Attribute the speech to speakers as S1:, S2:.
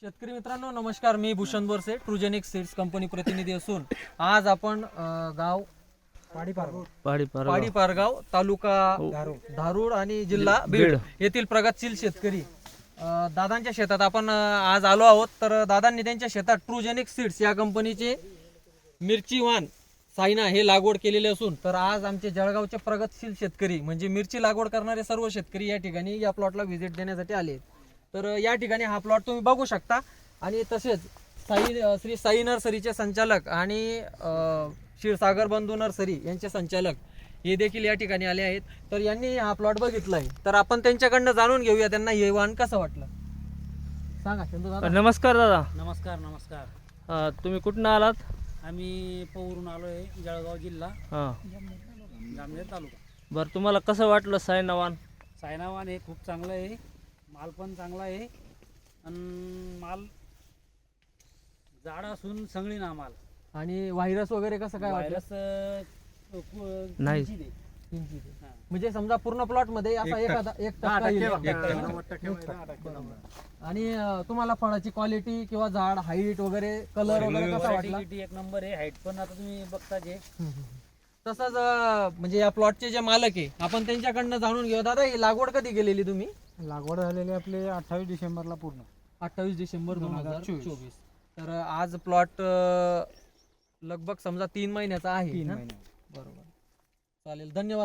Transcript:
S1: शेतकरी मित्रांनो नमस्कार, मी Bhushan Borse Trugenic seeds company प्रतिनिधी असून आज आपण गाव पाडी पारगाव तालुका धारूर आणि जिल्हा बीड येथील प्रगतशील शेतकरी दादांच्या शेतात आपण आज आलो आहोत। तर दादांनी त्यांच्या शेतात ट्रुजेनिक सीड्स या कंपनीचे मिरची वाण सायना हे लागवड केलेले असून तर आज आमचे जळगावचे प्रगतशील शेतकरी म्हणजे मिरची लागवड करणारे सर्व शेतकरी या ठिकाणी या प्लॉटला व्हिजिट देण्यासाठी आले। तर या ठिकाणी हा प्लॉट तुम्ही बघू शकता आणि तसेच श्री साई नर्सरीचे संचालक आणि क्षीरसागर बंधू नर्सरी यांचे संचालक हे देखील या ठिकाणी आले आहेत। तर यांनी हा प्लॉट बघितलाय, तर आपण त्यांच्याकडनं जाणून घेऊया त्यांना हे वाण कसं वाटलं। सांगा चंदू दादा।
S2: नमस्कार दादा।
S3: नमस्कार नमस्कार।
S2: तुम्ही कुठून आलात?
S3: आम्ही पवरून आलोय, जळगाव जिल्हा जामनेर तालुका।
S2: बरं, तुम्हाला कसं वाटलं सायना वाण?
S3: सायना वाण हे खूप चांगलं आहे, माल पण चांगला आहे आणि माल जाड असून सगळी ना माल
S1: आणि व्हायरस वगैरे कसं काय वाटलं?
S2: नाही
S1: म्हणजे समजा पूर्ण प्लॉट मध्ये असा एखादा 1% येईल। आणि तुम्हाला फळाची क्वालिटी किंवा झाड हाईट वगैरे कलर वगैरे कसा वाटला?
S3: एक नंबर आहे, हाईट पण आता तुम्ही बघता जे
S1: तसंच म्हणजे या प्लॉटचे जे मालक आहे आपण त्यांच्याकडनं जाणून घेऊ। दादा ही लागवड कधी केलेली तुम्ही?
S4: लागवड झालेली आपले 28 डिसेंबरला पूर्ण
S1: 28 डिसेंबर 2024। तर आज प्लॉट लगभग समजा 3 महिन्याचा आहे।
S4: 3 महिने।
S1: बरोबर, चालेल, धन्यवाद।